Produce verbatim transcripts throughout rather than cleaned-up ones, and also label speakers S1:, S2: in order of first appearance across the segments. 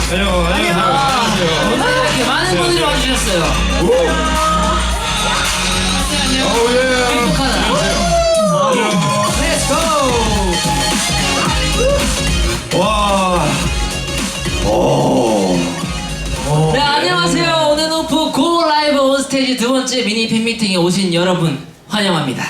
S1: 안녕, 안녕하세요.
S2: 오늘 이렇게 많은 분들이 와주셨어요.
S1: 오, 예.
S2: 행복하다. Let's go.
S1: 와. 오.
S2: 네, 안녕하세요. 오늘 오프 고 라이브 온 스테이지 두 번째 미니 팬미팅에 오신 여러분 환영합니다.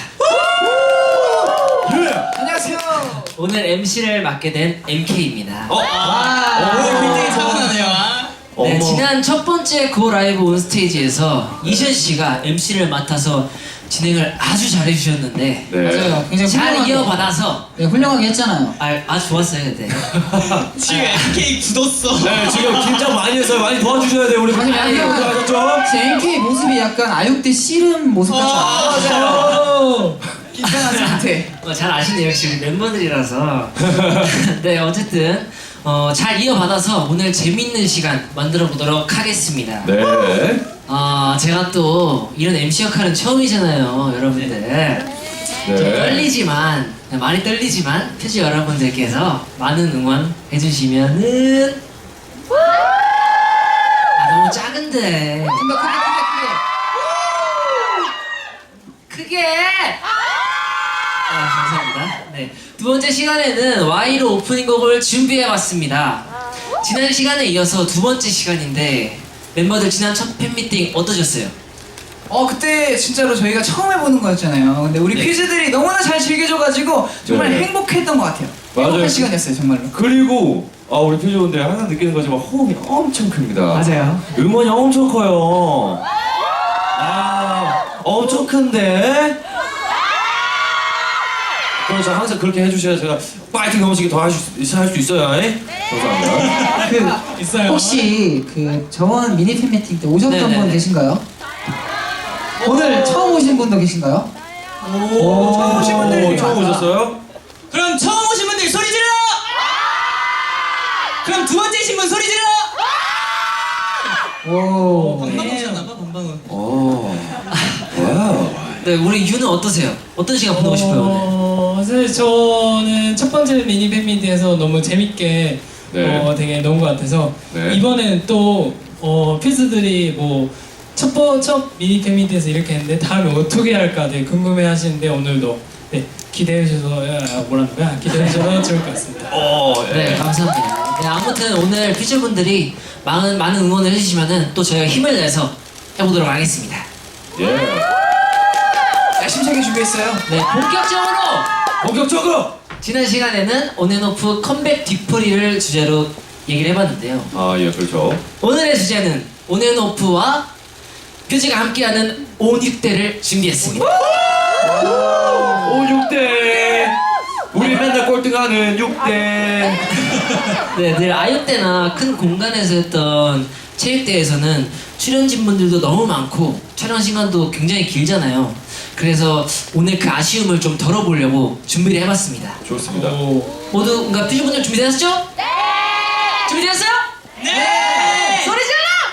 S3: 안녕하세요.
S2: 오늘 엠시를 맡게 된 엠케이입니다.
S1: 어?
S3: 와, 오늘 굉장히 차분하네요.
S2: 네,
S1: 어머.
S2: 지난 첫 번째 고 라이브 온 스테이지에서 이션 씨가 엠시를 맡아서 진행을 아주 잘해주셨는데
S1: 네.
S3: 맞아요. 굉장히
S2: 잘
S3: 훌륭하게,
S2: 이어받아서
S3: 네, 훌륭하게 했잖아요.
S2: 아, 아주 좋았어요 그때.
S4: 지금 엠케이 굳었어.
S1: 네, 지금 긴장 많이 했어요. 많이 도와주셔야 돼요, 우리.
S3: 아니,
S1: 많이
S3: 약간-
S1: 도와줬죠?
S3: 제 엠케이 모습이 약간 아육대 씨름 모습 같지 않아요?
S1: 맞아요.
S3: 긴장한 상태.
S2: 어, 잘 아시네요 역시 멤버들이라서. 네 어쨌든 어, 잘 이어받아서 오늘 재밌는 시간 만들어 보도록 하겠습니다.
S1: 네.
S2: 아 제가 또 이런 엠시 역할은 처음이잖아요 여러분들. 좀
S1: 네.
S2: 떨리지만 많이 떨리지만 표지 여러분들께서 많은 응원 해주시면은 아 너무 작은데
S3: 좀더 크게 크게 크게.
S2: 크게 아 감사합니다. 네 두 번째 시간에는 와이로 오프닝 곡을 준비해봤습니다. 지난 시간에 이어서 두 번째 시간인데 멤버들 지난 첫 팬미팅 어떠셨어요?
S3: 어 그때 진짜로 저희가 처음 해보는 거였잖아요. 근데 우리
S2: 네.
S3: 퀴즈들이 너무나 잘 즐겨줘가지고 정말
S1: 네.
S3: 행복했던 것 같아요.
S1: 맞아요.
S3: 행복한 시간이었어요 정말로.
S1: 그리고 아 우리 표지분들 항상 느끼는 거지만 호응이 엄청 큽니다.
S3: 맞아요.
S1: 음원이 엄청 커요. 아 엄청 큰데. 그래서 항상 그렇게 해주셔야 제가 파이팅 넘치게 더 할 수 있어요. 에? 감사합니다.
S3: 그
S4: 있어요.
S3: 혹시 그 저번 미니 팬 미팅 때 오셨던
S2: 네네네.
S3: 분 계신가요? 오늘 처음 오신 분도 계신가요?
S1: 오,
S3: 처음 오신 분들이
S1: 오, 처음
S3: 많아.
S1: 오셨어요?
S4: 그럼 처음 오신 분들 소리 질러! 그럼 두 번째신 분 소리 질러!
S3: 오.
S4: 방방은 오셨나봐, 방방은.
S1: 오, 와우.
S2: 네 우리 유는 어떠세요? 어떤 시간 보내고 싶어요 오늘?
S5: 어, 사실 저는 첫 번째 미니 팬미팅에서 너무 재밌게
S1: 네.
S5: 어, 되게 논 것 같아서
S1: 네.
S5: 이번엔 또 어, 필수들이 뭐첫 번 첫 미니 팬미팅에서 이렇게 했는데 다음에 어떻게 할까 되게 궁금해하시는데 오늘도 네, 기대해 주셔서 아, 뭐라는 거야 기대해 주셔서 좋을 것 같습니다.
S1: 오, 예.
S2: 네 감사합니다. 네, 아무튼 오늘 퓨즈분들이 많은 많은 응원을 해주시면은 또 저희가 힘을 내서 해보도록 하겠습니다.
S1: 예.
S3: 야심차게 준비했어요.
S2: 네 본격적으로
S1: 본격적으로.
S2: 지난 시간에는 온앤오프 컴백 뒤풀이를 주제로 얘기를 해봤는데요.
S1: 아, 예, 그렇죠.
S2: 오늘의 주제는 온앤오프와 퓨즈가 함께하는 온육대를 준비했습니다.
S1: 오, 육 대. 우리 맨날 꼴등하는 육 대.
S2: 네, 늘 아육대나 큰 공간에서 했던 체육대회에서는 출연진분들도 너무 많고 촬영 시간도 굉장히 길잖아요. 그래서 오늘 그 아쉬움을 좀 덜어보려고 준비를 해봤습니다.
S1: 좋습니다.
S2: 모두 그러니까 퓨즈분들 준비되셨죠? 네! 준비되셨어요? 네! 소리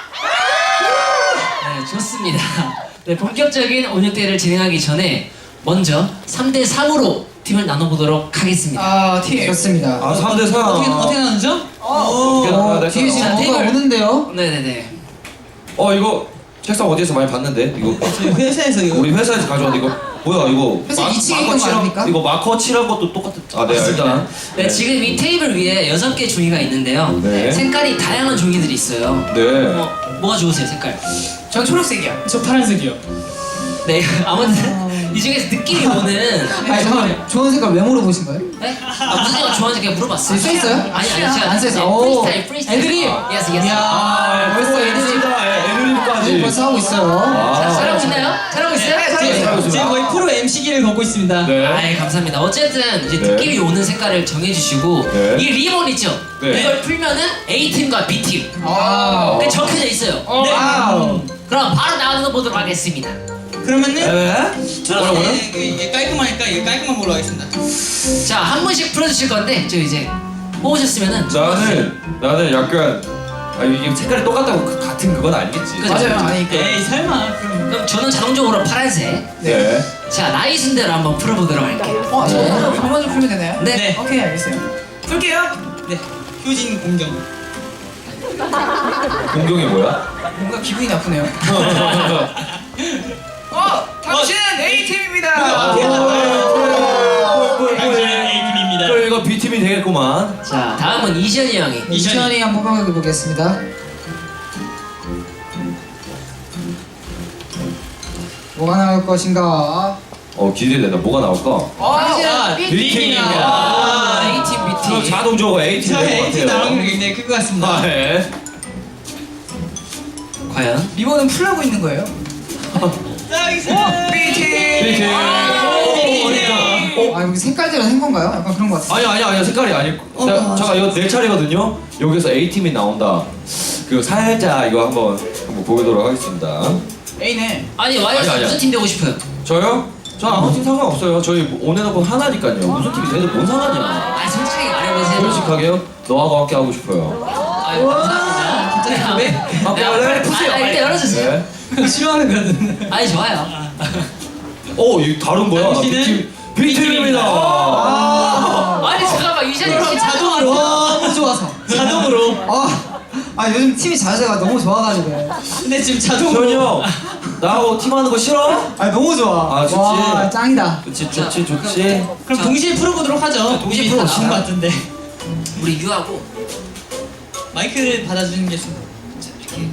S2: 질러! 네, 좋습니다. 네, 본격적인 온육대회를 진행하기 전에 먼저 삼 대 삼으로 팀을 나눠보도록 하겠습니다.
S3: 아, 팀. 좋습니다.
S1: 아, 삼 대 사.
S4: 어떻게, 어떻게 나누죠?
S1: 어떻게 나눠야 될까요?
S3: 뒤에 지금
S2: 자,
S3: 뭐가
S2: 팀을-
S3: 오는데요?
S2: 네네네.
S1: 어, 이거 책상 어디에서 많이 봤는데? 이거
S4: 저희 회사에서 이거.
S1: 우리 회사에서 가져왔는데 이거 뭐야 이거?
S3: 회사 이 층에 있던 거
S1: 칠한
S3: 아닙니까?
S1: 이거 마커 칠한 것도 똑같은. 아, 네, 일단.
S2: 네, 지금 이 테이블 위에 여섯 개 종이가 있는데요.
S1: 네.
S2: 색깔이 다양한 종이들이 있어요.
S1: 네.
S2: 뭐, 뭐가 좋으세요, 색깔?
S3: 전 초록색이요.
S5: 저 파란색이요.
S2: 네, 아무튼 이 중에서 느낌이 오는.
S3: 아니 잠깐만 좋은 색깔 왜 물어보신 거예요?
S2: 네? 아, 무슨 색깔 좋아하는지 그냥 물어봤어요.
S3: 써 있어요?
S2: 아니, 아니, 제가.
S3: 안 써있어요?
S2: 네,
S3: 오.
S2: 프리스타일, 프리스타일.
S3: 애드립!
S2: 예스, 예스.
S3: 이야 벌써 애들이
S1: 애드립까지.
S3: 벌써 하고 있어요.
S2: 자, 잘하고 있나요? 잘하고 있어요?
S3: 잘하고
S4: 지금,
S3: 있어요.
S4: 지금 거의 프로 엠씨기를 걷고 있습니다.
S1: 네.
S2: 아이 감사합니다. 어쨌든 이제
S1: 네.
S2: 느낌이 오는 색깔을 정해주시고
S1: 네.
S2: 이 리본 있죠?
S1: 네.
S2: 이걸 풀면은 A팀과 B팀
S3: 와우.
S2: 그게 적혀져 있어요.
S4: 네.
S3: 와우.
S2: 그럼 바로 나눠 보도록 하겠습니다.
S4: 그러면은
S1: 네.
S4: 저는 이게, 이게 깔끔하니까 이게 깔끔한 걸로 하겠습니다.
S2: 자, 한 분씩 풀어주실 건데 저 이제 뽑으셨으면은
S1: 나는 나는 약간 아 이게 색깔이 똑같다고 그 같은 그건 아니겠지.
S2: 그죠?
S3: 맞아요. 아니 그
S4: 에이 설마 그럼.
S2: 그럼 저는 자동적으로 파란색.
S1: 네.
S2: 자, 나이 순대로 한번 풀어보도록 할게요.
S3: 어, 저 오늘 저만 좀 풀면 되나요?
S2: 네.
S4: 네.
S3: 오케이 알겠어요. 풀게요.
S4: 네. 효진 공경.
S1: 동경이 뭐야?
S3: 뭔가 기분이 나쁘네요. 어, 당신은 A팀입니다.
S4: 당신은 A팀입니다.
S1: 그럼 이거 B팀이 되겠구만.
S2: 자, 다음은 이시연이 형이.
S3: 이천이 한번 뽑아보게 보겠습니다. 뭐가 나올 것인가?
S1: 어 기대된다. 뭐가 나올까?
S3: 어,
S4: 아,
S1: B팀입니다.
S2: 아, A팀,
S1: 그럼
S2: B팀.
S1: 자동적으로 A팀
S4: 저희
S1: 될것
S4: A팀 나오는 게
S1: 같아요.
S4: 굉장히 클 것 같습니다.
S1: 아, 네.
S2: 과연?
S3: 리본은 풀라고 있는 거예요?
S4: 나이스!
S3: B팀.
S1: B팀.
S3: 아, 여기 색깔대로 한 건가요? 약간 그런 것 같아요.
S1: 아니 아니 아니 색깔이 아닐.
S3: 어,
S1: 자,
S3: 아,
S1: 잠깐 이거 내 차례거든요. 여기서 A 팀이 나온다. 그 살짝 이거 한번 한번 보도록 하겠습니다.
S3: A네.
S2: 아니, 와이어스
S1: 아니, 아니.
S2: 무슨 팀 되고 싶어요?
S1: 저요? 저 아무 팀 상관없어요. 저희 온앤오프 하나니까요. 무슨 팀이 돼도 뭔 상관이야.
S2: 아, 솔직하게 말해보세요.
S1: 솔직하게요. 너하고 함께 하고 싶어요.
S2: 아유, 감사합니다.
S3: 진짜 왜?
S1: 함께
S2: 네,
S1: 할래?
S2: 빨리 푸세요. 아, 일단 열어주세요.
S1: 네.
S4: 싫어하는 거든.
S2: 아니, 좋아요.
S1: 어, 이 다른 거야.
S4: 당신은
S1: B팀 B팀입니다.
S3: 아,
S2: 아니, 잠깐만, 이시연이
S3: 그럼
S2: 팀
S3: 자동으로 너무 좋아서.
S4: 자동으로.
S3: 아, 아 요즘 팀이 자세가 너무 좋아가지고.
S4: 근데 지금
S1: 현이
S4: 자동으로.
S1: 형, 나하고 팀하는 거 싫어?
S3: 아 너무 좋아.
S1: 아, 좋지.
S3: 와 짱이다.
S1: 그치, 좋지, 좋지.
S4: 그럼
S2: 자,
S4: 동시에 풀어보도록 하죠.
S2: 동시에
S4: 이미
S2: 풀어보자.
S4: 다 나온 것 같은데.
S2: 우리 유하고
S4: 마이크를 받아주는 게 좋습니다.
S2: 자, 이렇게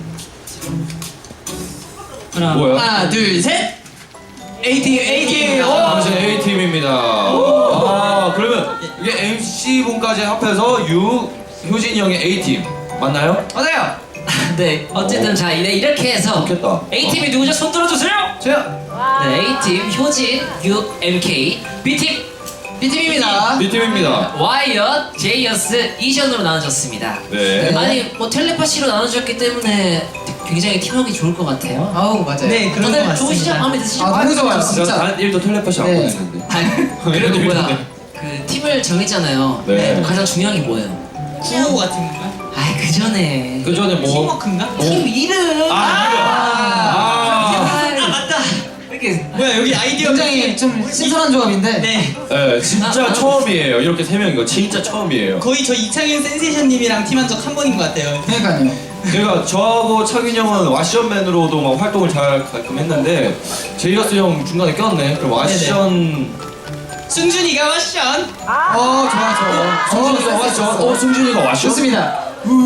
S4: 하나,
S1: 뭐야?
S4: 하나, 둘, 셋. A팀, A팀.
S1: 당신 A 팀입니다. 아, 그러면 이게 엠씨 분까지 합해서 유 효진이 형의 A 팀 맞나요?
S3: 맞아요.
S2: 네, 어쨌든 자 이래 이렇게 해서
S1: 좋겠다.
S2: A팀이 누구죠? 손 들어주세요.
S3: 저요.
S2: 네, A팀 효진, 유, 엠케이, B팀
S3: B팀입니다.
S1: B 팀입니다.
S2: 와이엇, 제이어스, 이션으로 나눠졌습니다.
S1: 네.
S2: 아니 뭐 텔레파시로 나눠졌기 때문에 굉장히 팀워크 좋을 것 같아요.
S3: 아우 맞아요.
S4: 네, 그런 것
S2: 다들 좋으시죠?
S4: 같습니다.
S2: 마음에 드시죠?
S3: 아 너무 좋아요
S1: 제가
S3: 진짜.
S1: 단 일도 텔레파시 안
S3: 네.
S1: 보냈는데.
S2: 아, 그리고 뭐야? 그 팀을 정했잖아요.
S1: 네.
S2: 가장 중요한 게 뭐예요?
S4: 구호 같은 건가?
S2: 아, 그 전에
S1: 그 전에 뭐?
S4: 팀워크인가?
S2: 팀 이름.
S1: 아,
S2: 아,
S4: 아, 맞다.
S2: 이렇게
S4: 뭐야, 여기 아이디어
S3: 굉장히 좀 신선한 조합인데.
S4: 네.
S1: 네, 진짜
S2: 아, 아.
S1: 처음이에요. 이렇게 세 명인 거 진짜 처음이에요.
S4: 거의 저 이창윤 센세이션님이랑 팀한 적 한 번인 것 같아요.
S3: 그러니까요.
S1: 제가 저하고 창윤 형은 와시언맨으로도 막 활동을 잘 가끔 했는데 제이어스 형 중간에 꼈네. 그럼 와시언
S4: 승준이가 와션.
S3: 어 좋아 좋아.
S1: 승준이가 와시언. 어, 승준이가 와시언.
S3: 좋습니다.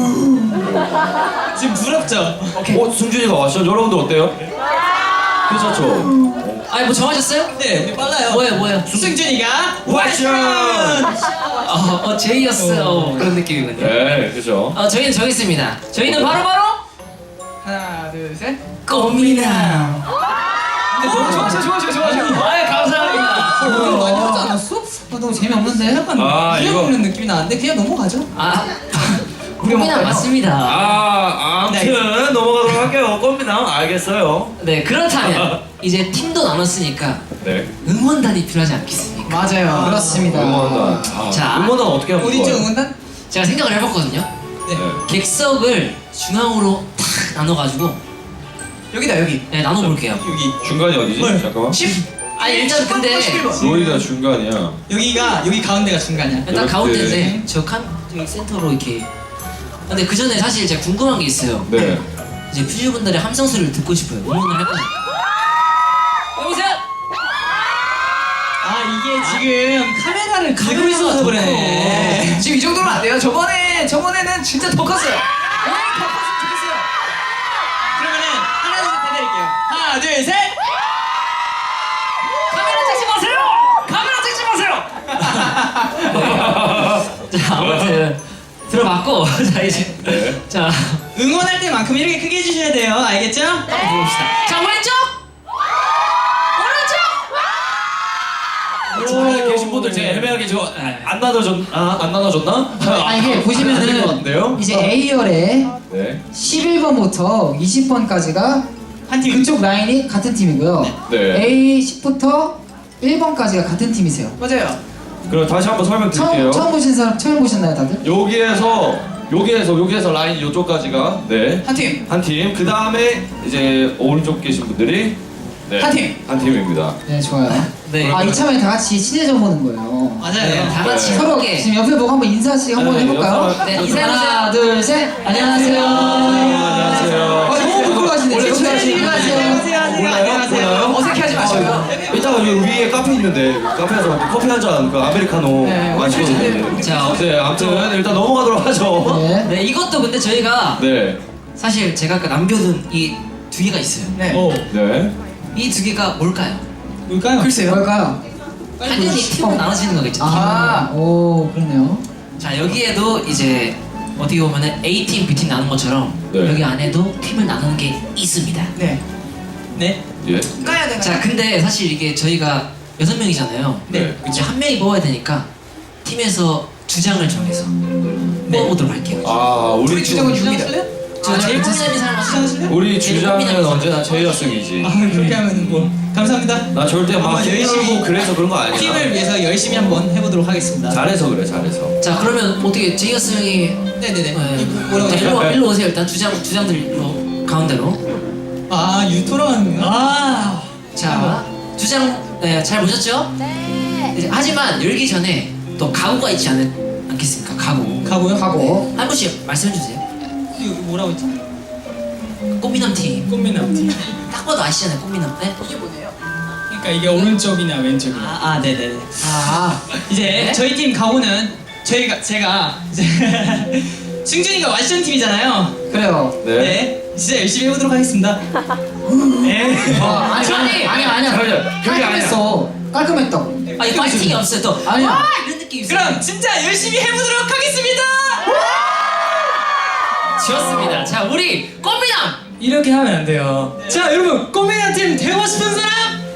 S4: 지금 부럽죠?
S1: 어, 승준이가 와시언. 여러분들 어때요? 괜찮죠?
S2: 아니 뭐 정하셨어요?
S4: 네, 우리 빨라요.
S2: 뭐예요, 뭐예요?
S4: 승준이가
S1: 와션.
S2: 어, 어 제이어스 어, 그런 느낌이군요.
S1: 네, 그죠.
S2: 어, 저희는 정했습니다. 저희는 바로 바로
S3: 하나 둘 셋.
S2: 꽃미남.
S3: 근데 너무 좋아 좋아 좋아 좋아 좋아.
S2: 아유 감사합니다.
S3: 이거 많이 하지 않았어? 아, 너무 재미없는데? 약간
S1: 아, 이거-
S3: 먹는 느낌이 나는데 그냥 넘어가죠.
S2: 아, 꽃미남 맞습니다.
S1: 아, 아무튼 넘어가도록 할게요. 꽃미남 알겠어요.
S2: 네, 그렇다면 이제 팀도 나눴으니까
S1: 네.
S2: 응원단이 필요하지 않겠습니까?
S3: 맞아요. 그렇습니다.
S1: 응원단. 아,
S2: 자.
S1: 응원단 어떻게 하면
S3: 어디죠
S1: 좋아요?
S3: 응원단?
S2: 제가 생각을 해봤거든요.
S4: 네.
S1: 네.
S2: 객석을 중앙으로 탁 나눠가지고
S3: 여기다 여기.
S2: 네, 나눠볼게요.
S4: 여기
S1: 중간이 어디지?
S4: 뭘?
S1: 잠깐만.
S2: 아니 일단 근데
S1: 로이가 중간이야.
S4: 여기가 여기 가운데가 중간이야.
S2: 일단
S1: 이렇게.
S2: 가운데인데 저 칸, 저기 센터로 이렇게. 근데 그 전에 사실 제가 궁금한 게 있어요.
S1: 네.
S2: 이제 퓨즈분들의 함성 소리를 듣고 싶어요. 응원을 할 거예요. 여보세요?
S4: 아 이게 지금 카메라를 들고
S2: 카메라가
S4: 있어서
S2: 더
S4: 그래.
S2: 커.
S3: 지금 이 정도면 안 돼요. 저번에 저번에는 진짜 더 컸어요. 아, 더 컸으면 좋겠어요.
S4: 그러면은 하나 둘 셋 해드릴게요. 하나 둘 셋.
S2: 카메라 찍지 마세요! 카메라 찍지 마세요! 자, 아무튼 들어봤고 자 이제
S1: 네.
S2: 자
S4: 응원할 때만큼 이렇게 크게 해주셔야 돼요. 알겠죠?
S2: 해봅시다. 자 왼쪽!
S1: 중간에 계신 분들 제가 애매하게 저거 안 나눠줬 아, 안 나눠줬나?
S3: 아 이게
S1: 안될것
S3: 보시면은
S1: 같은데요?
S3: 이제 A열에
S1: 네.
S3: 십일 번부터 이십 번까지가
S4: 한 팀.
S3: 그쪽 라인이 같은 팀이고요.
S1: 네.
S3: A 십부터 일 번까지가 같은 팀이세요. 맞아요.
S1: 그럼 다시 한번 설명드릴게요.
S3: 처음 처음 보신 사람 처음 보셨나요, 다들?
S1: 여기에서 여기에서 여기에서 라인 이쪽까지가 네.
S3: 한 팀.
S1: 한 팀. 그 다음에 이제 오른쪽 계신 분들이 네.
S3: 한 팀.
S1: 한 팀입니다.
S3: 네, 좋아요.
S2: 네.
S3: 아 이참에 다 같이 친해져 보는 거예요.
S4: 맞아요.
S2: 네, 다 같이
S1: 네.
S3: 서로
S2: 함께
S3: 지금 옆에 보고 한번 인사씩 한번
S1: 네,
S3: 해볼까요?
S1: 인사-
S2: 네, 인사해보세요.
S3: 하나, 둘, 셋. 안녕하세요.
S2: 안녕하세요.
S1: 있는데 카페에서 커피 한 잔 그 아메리카노
S3: 네,
S1: 마시고
S3: 우리
S1: 있는데.
S2: 자,
S1: 네, 아무튼 일단 넘어가도록 하죠.
S3: 네.
S2: 네, 이것도 근데 저희가
S1: 네,
S2: 사실 제가 아까 남겨둔 이 두 개가 있어요.
S3: 네.
S5: 어,
S1: 네.
S2: 이 두 개가 뭘까요?
S5: 뭘까요?
S3: 글쎄요. 뭘까요?
S2: 당연히 팀으로 나눠지는 거겠죠.
S3: 아, 오, 그렇네요.
S2: 자, 여기에도 이제 어떻게 보면은 A팀, B팀 나눈 것처럼
S1: 네.
S2: 여기 안에도 팀을 나누는 게 있습니다.
S3: 네.
S4: 네.
S1: 예.
S3: 까야 되나요?
S2: 자, 근데 사실 이게 저희가 여섯 명이잖아요.
S1: 네.
S2: 이제 한 명이 뽑아야 되니까 팀에서 주장을 정해서 뽑아보도록 할게요.
S1: 아, 우리
S3: 우리 주장은 육이다.
S2: 저 제일 고민하는 사람 하시죠?
S1: 우리 주장은 언제나 제이어승이지.
S4: 아 그렇게 하면 뭐 감사합니다.
S1: 나 절대 막
S4: 한번 열심히
S1: 힘들고 그래서 그런 거 아니야.
S4: 팀을 위해서 열심히 한번 해보도록 하겠습니다.
S1: 잘해서 그래, 잘해서.
S2: 자, 그러면 어떻게 제이어스 형이
S4: 네네네.
S2: 네.
S4: 뭐라고
S2: 자,
S4: 하죠?
S2: 일로, 일로 오세요. 일단 주장 주장들 일로 가운데로.
S4: 아 유토런. 아.
S2: 자, 주장 네, 잘 보셨죠? 네. 이제, 하지만 열기 전에 또 각오가 있지 않, 않겠습니까? 각오.
S4: 가고요?
S3: 가고.
S2: 한 분씩 말씀해 주세요.
S4: 이거 뭐라고 했지?
S2: 꽃미남 팀.
S5: 꽃미남 팀.
S2: 딱 봐도 아시잖아요, 꽃미남. 네?
S5: 그러니까 이게 오른쪽이냐 왼쪽이냐.
S4: 아, 아 네네네.
S3: 아,
S4: 이제
S2: 네?
S4: 저희 팀 가고는 저희가 제가 이제 승준이가 왓션 팀이잖아요.
S3: 그래요.
S1: 네.
S4: 네. 진짜 열심히 해보도록 하겠습니다. 네.
S3: 아, 아니, 아니, 아니, 아니야.
S1: 잠깐만요. 그게 아니야.
S3: 깔끔했어. 깔끔했다고.
S2: 아니, 파이팅이 없어요. 또.
S3: 아니야.
S2: 와! 이런 느낌이 있어요.
S4: 그럼 진짜 열심히 해보도록 하겠습니다.
S2: 좋습니다. 자, 우리 꽃미남!
S5: 이렇게 하면 안 돼요. 자, 여러분 꽃미남 팀 되고 싶은 사람?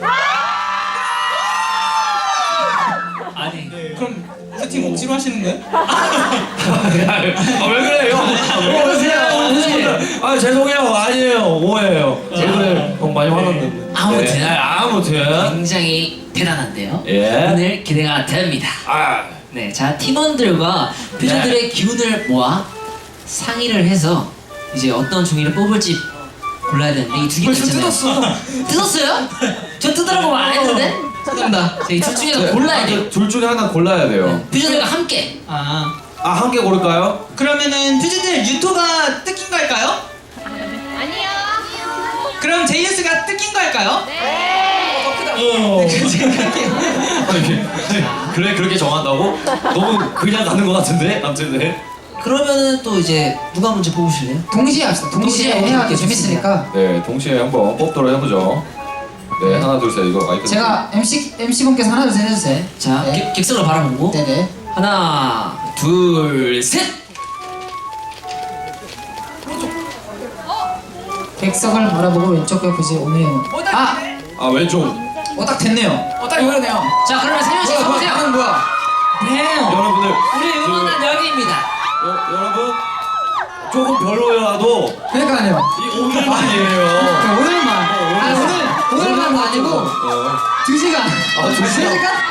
S2: 아니.
S4: 그럼 그 팀 억지로 하시는 거예요?
S1: 아, 왜 그래요? 왜 그러세요? 아, 죄송해요. 아니에요. 오해예요. 오늘 너무 많이 화났는데.
S2: 아무튼.
S1: 네, 아무튼.
S2: 굉장히 대단한데요.
S1: 예.
S2: 오늘 기대가 됩니다.
S1: 아,
S2: 네, 자 팀원들과 퓨저들의 기운을 모아 상의를 해서 이제 어떤 종이를 뽑을지 골라야 되는데 이 두 개가
S3: 벌써
S2: 있잖아요.
S3: 뜯었어.
S2: 뜯었어요? 저 뜯으라고 말 안 했는데?
S4: 죄송합니다.
S2: 이 둘 중에서 골라야 돼요.
S1: 둘 중에 하나 골라야 돼요.
S2: 퓨저들과 함께.
S4: 아
S1: 아, 한 개 고를까요?
S4: 그러면은 퓨즈들 유토가 뜯긴 거 할까요?
S6: 아니요.
S4: 그럼 제이에스가 뜯긴 거 할까요?
S1: 어. 아니, 그래, 그렇게 정한다고? 너무 그냥 가는 것 같은데? 아무튼, 네.
S2: 그러면은 또 이제 누가 먼저 뽑으실래요?
S3: 동시에 합시다. 동시에
S2: 동시에
S3: 해야
S2: 오케이,
S3: 재밌으니까.
S1: 네, 동시에 한번 뽑도록 해보죠. 네, 하나, 둘, 셋. 이거 마이크.
S3: 제가 엠씨 엠씨분께서 하나 둘 셋 해주세요.
S2: 자,
S3: 네.
S2: 객- 객석을 바라보고
S3: 네네.
S2: 하나, 둘, 셋.
S3: 객석을 바라보고 왼쪽에 보시 오늘. 아,
S1: 아, 왼쪽.
S3: 어 딱 됐네요. 어 딱 이거네요.
S2: 자, 그러면 세 명씩
S3: 뭐야,
S2: 서보세요.
S3: 뭐야, 뭐야?
S1: 여러분들.
S2: 우리 응원단 여기입니다.
S1: 여, 여러분. 조금 별로여도
S3: 그러니까요.
S1: 이 오늘만이에요.
S3: 아, 오늘만. 아 오늘 오늘만도 아니고
S1: 어.
S3: 두 시간.
S1: 아, 두 시간?
S3: 두 시간?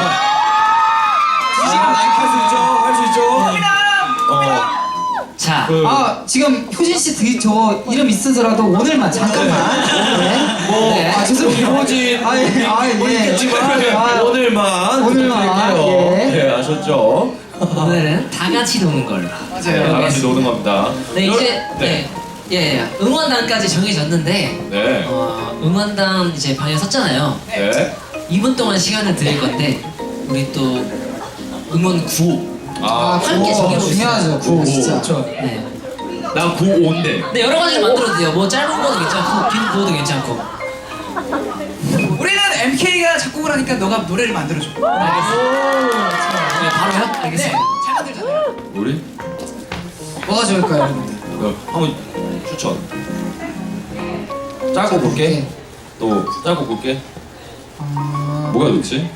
S1: 두 시간 할수 있죠? 할 수 있죠? 어.
S2: 자,
S1: 그,
S3: 아 지금 효진 씨 드- 저 이름 있으더라도 오늘만 잠깐만. 네.
S1: 뭐,
S3: 네. 아 죄송해요.
S1: 효진,
S3: 아, 예. 아, 예.
S1: 뭐 있겠지만,
S3: 아, 아.
S1: 오늘만.
S3: 오늘만,
S1: 부탁드릴게요.
S3: 예.
S1: 네, 아셨죠?
S2: 오늘은 다 같이 노는 걸로.
S3: 맞아요.
S1: 다 같이 노는 겁니다.
S2: 네, 이제
S1: 여-
S2: 네. 예, 예. 응원단까지 정해졌는데
S1: 네.
S2: 어, 응원단 이제 방에 섰잖아요.
S1: 네.
S2: 이 분 동안 시간을 드릴 건데 우리 또 응원 구호.
S1: 아,
S2: 함께
S3: 오,
S2: 정해보겠습니다.
S3: 중요하죠. 그거 진짜.
S5: 그렇죠.
S2: 네.
S1: 난 구오인데.
S2: 네, 여러 가지를 만들어도 돼요. 뭐 짧은 거도 괜찮고 긴 구호도 괜찮고.
S3: 우리는 엠케이가 작곡을 하니까 너가 노래를 만들어줘.
S2: 알겠습니다. 네, 바로요? 알겠습니다.
S3: 잘 만들잖아요.
S1: 우리?
S3: 뭐가 좋을까요, 여러분들?
S1: 어, 한번 추천. 짧고 굵게. 또 짧고 굵게.
S3: 아...
S1: 뭐가 좋지?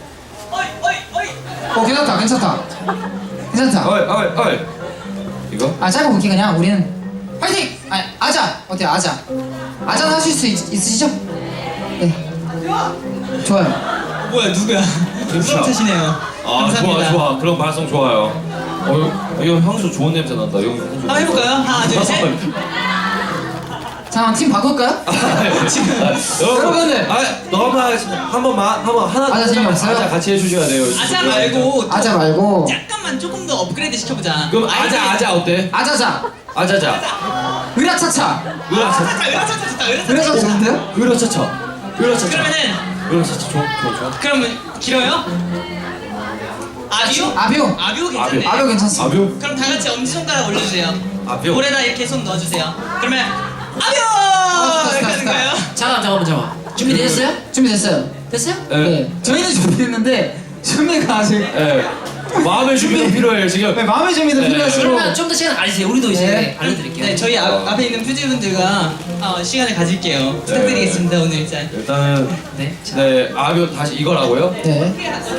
S3: 어 괜찮다, 괜찮다. 괜찮다.
S1: 어이, 어이, 어이. 이거?
S3: 아 짧고 굵게 그냥 우리는 파이팅! 아 아자 어때요 아자? 아자는 하실 수 있, 있으시죠? 네. 좋아요.
S4: 뭐야 누구야? 스타트시네요.
S1: 아,
S4: 감사합니다.
S1: 좋아, 좋아. 그런 발성 좋아요. 어, 이거 향수 좋은 냄새 난다. 이거 향수.
S4: 한번 해볼까요? 하나 둘 셋.
S3: 잠깐 팀 바꿀까요? 여러분들.
S1: 아, 너만 한 번만, 한 번 하나.
S3: 아자 재미없어요?
S1: 아자 같이 해주셔야 돼요.
S4: 아자 말고
S3: 아자 말고
S4: 잠깐만 조금 더 업그레이드 시켜보자.
S1: 그럼 아자, 아자 어때?
S3: 아자자
S1: 아자자.
S3: 으라차차
S1: 으라차차.
S4: 으라차차 으라차차
S3: 으라차차 좋은데요?
S1: 으라차차. 으라차차.
S4: 그러면은
S1: 이거 진짜 좋아 좋아 좋아.
S4: 그러면 길어요? 아뷰?
S3: 아뷰.
S4: 아뷰 괜찮네.
S3: 아뷰 괜찮습니다.
S1: 아뷰?
S4: 그럼 다 같이 엄지 손가락 올려주세요.
S1: 아뷰.
S4: 볼에다 이렇게 손 넣어주세요. 그러면 아뷰
S3: 좋다,
S4: 이렇게 하는
S3: 좋다.
S4: 거예요.
S2: 잠깐 잠깐만 잠깐. 준비되셨어요?
S3: 준비됐어요.
S2: 됐어요?
S1: 네.
S3: 네. 저희는 준비됐는데 준비가 아직
S1: 네. 마음의 준비가 필요해요 지금.
S3: 네, 마음의 준비도
S1: 네.
S3: 필요하시고.
S2: 그러면 좀 더 시간 가지세요. 우리도 이제
S3: 네.
S2: 알려드릴게요.
S4: 네, 저희 앞, 앞에 있는 퓨즈분들과 어, 시간을 가질게요. 부탁드리겠습니다. 오늘 일단.
S1: 일단은
S2: 네. 자.
S1: 네 아뷰 다시 이거라고요.
S3: 네.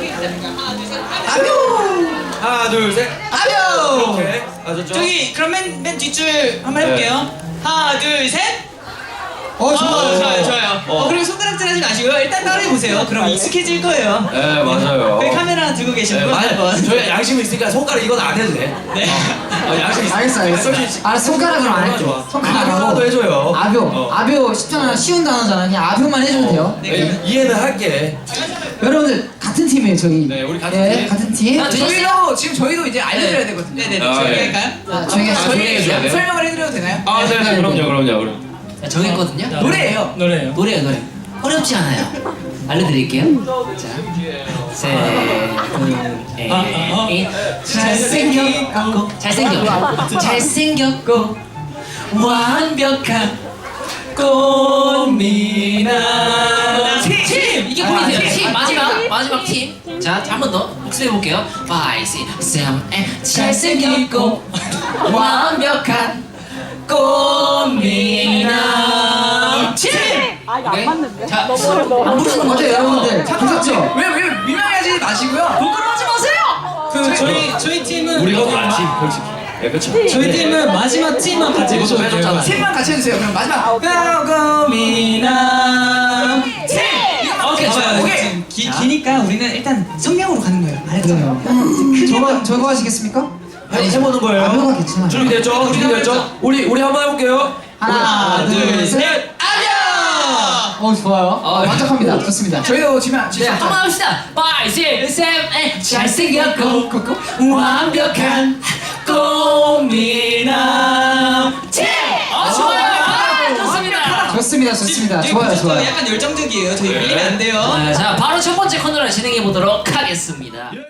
S1: 하나 둘 셋.
S4: 아뷰.
S1: 오케이. 아셨죠?
S4: 저기 그럼 맨, 맨 뒷줄 한번 해볼게요. 하나 둘 셋.
S3: 어
S4: 어,
S3: 좋아요.
S4: 좋아요, 좋아요.
S1: 어.
S4: 어, 그리고 손가락질 하지 마시고요. 일단 따라해 보세요. 그럼 익숙해질 거예요.
S1: 네 맞아요.
S4: 거기 카메라 들고 계신
S1: 네,
S4: 분
S1: 맞아요.
S4: 한번.
S1: 저희 양심이 있으니까 손가락 이건 안 해도 돼.
S4: 네.
S1: 어, 양심 있어.
S3: 알겠어 알겠어. 아 손가락으로 안 할게.
S1: 좋아.
S3: 손가락으로.
S1: 아뷰라도 해줘요.
S3: 아뷰.
S1: 어.
S3: 아뷰 쉽잖아. 쉬운 단어잖아. 그냥 아뷰만 해주면 돼요.
S4: 네,
S1: 네,
S4: 그러면-
S1: 이해는 할게.
S3: 여러분들 같은 팀이에요 저희.
S1: 네, 우리 같은
S3: 네,
S1: 팀.
S3: 같은 팀.
S2: 아, 되셨어요?
S6: 저희도 지금 저희도 이제 알려드려야 되거든요.
S4: 네네네.
S1: 아,
S4: 저희
S1: 네.
S4: 할까요?
S3: 아, 저희가
S1: 아,
S3: 저희
S1: 저희 해줘야 돼요?
S6: 설명을 해드려도 되나요?
S1: 아, 네, 네, 그럼요, 그럼요, 그럼.
S2: 자, 정했거든요.
S5: 자,
S6: 노래예요.
S5: 노래예요.
S2: 노래요 노래. 어렵지 않아요. 알려드릴게요. 자, 셋, 둘,
S5: 아, 아, 아.
S2: 넷. 잘생겼고 잘생겼고 잘생겼고 완벽한 꽃미남 팀! 이게 포인트예요. 팀 마지막 마지막 팀. 자, 한 번 더 목소리 해볼게요. five, six, seven, eight. 잘생겼고 완벽한 꽃미남 팀. 오케이? 자, 안 부르는 거
S3: 어때요
S2: 어때요?
S3: 여러분들? 괜찮죠?
S6: 왜, 왜 민망해하지 마시고요.
S2: 부끄러워하지 마세요.
S5: 그 저희 저희 팀은
S1: 우리가 많지, 솔직히. 네, 그렇죠.
S5: 저희 팀은 마지막 팀만 같이
S1: 이것도
S5: 해줘도
S1: 해줬잖아.
S5: 돼요.
S6: 팀만 같이 해주세요. 그럼 마지막 고고미남 팀.
S2: 오케이, 좋아요.
S6: 오케이.
S4: 지금 기, 기니까 우리는 일단 성명으로 가는 거예요. 알았죠?
S3: 저거 저거 하시겠습니까?
S1: 아니, 해보는 거예요.
S3: 아뷰가 괜찮아요.
S1: 준비됐죠? 준비됐죠? 우리, 우리 한번 해볼게요.
S3: 하나, 둘, 셋.
S4: 아뇨!
S3: 어 좋아요. 어, 만족합니다. 좋습니다.
S6: 저희도 지금
S2: 네, 한번 합시다. five, six, seven, eight. 잘생겼고 완벽한 꽃미남 팀. 어, 좋아요. 아, 좋습니다.
S3: 좋습니다. 좋습니다.
S4: 지금
S3: 좋아요,
S4: 보셔도
S3: 좋아요.
S4: 약간 열정적이에요. 저희 밀리면 안 돼요.
S2: 네, 자, 바로 첫 번째 코너를 진행해 보도록 하겠습니다.